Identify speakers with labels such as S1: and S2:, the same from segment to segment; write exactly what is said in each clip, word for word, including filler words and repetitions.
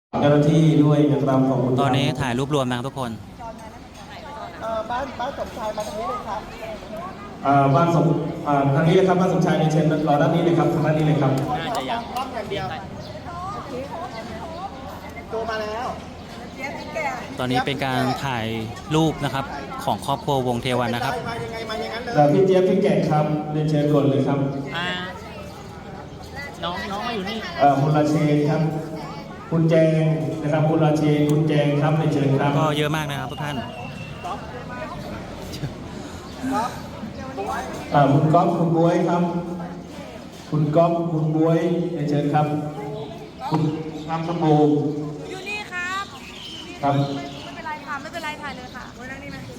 S1: เจ้าหน้าที่ด้วยนะครับขอบคุณ
S2: ตอนนี้ถ่ายรูปรวมนะทุกคน
S3: เอ่อบ้านบ้านสมชายมาทางนี้เลยครับ
S1: อ่าบ้านสมอ่าทางนี้เลยครับบ้านสมชายในเชิญรอด้านนี้เลยครับทางด้านนี้เลยครับ
S3: น่าจะยังรอบอย่างเดียวตัวมาแล้ว
S2: ตอนนี้เป็นการถ่ายรูปนะครับของครอบครัววงเทวันนะครับ
S3: มายังไงมาอย่างนั้นเลย
S1: แล้วพี่เจี๊ยบพี่แกะครับเรียนเชิญก่อนเลยครับ
S4: อ่าน้องน้องมาอยู่นี่
S1: เอ่อคุณราเชนครับ คุณแจงนะครับคุณราเชนคุณแจงครับเรียนเชิญครับ
S2: ก็เยอะมากนะครับทุกท่าน
S1: อ่าคุณก๊อฟคุณบวยครับ คุณก๊อฟคุณบวยเรียนเชิญครับ คุณครับคุณบูม
S5: อยู่นี่ครับ
S1: ครับ
S5: ไม่เป็นไรค่ะ ไม่เป็นไรถ่ายเลยค่ะไว้นั่งนี่นะ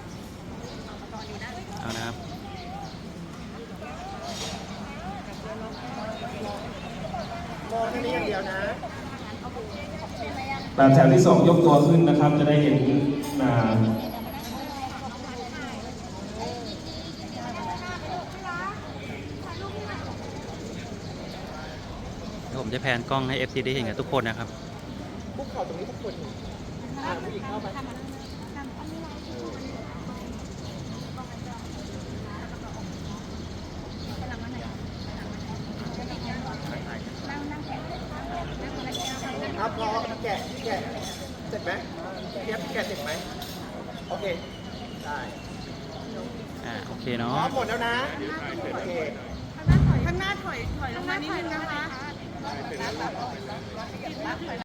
S2: เอานะครับ
S3: มองแค่นี้อย่างเดียวนะ
S1: แบบแถวที่สองยกตัวขึ้นนะครับ จะได้เห็นอ่า
S2: เดี๋ยวผมจะแพนกล้องให้ เอฟ ซี ได้เห็นกันทุกคนนะครับ
S3: คุกเข่าตรงนี้ทุกคนอ่าผู้หญิงเข้าไปครับพอแกะแกะเสร็จไหมเทียบแกะเสร็จไหมโอเคได้
S2: อ่าโอเค
S3: พร้
S2: เนาะ
S3: อมหมดแล้วนะโอเค
S5: ข้างหน้าถอย ถอยลงมานิดนึงนะคะ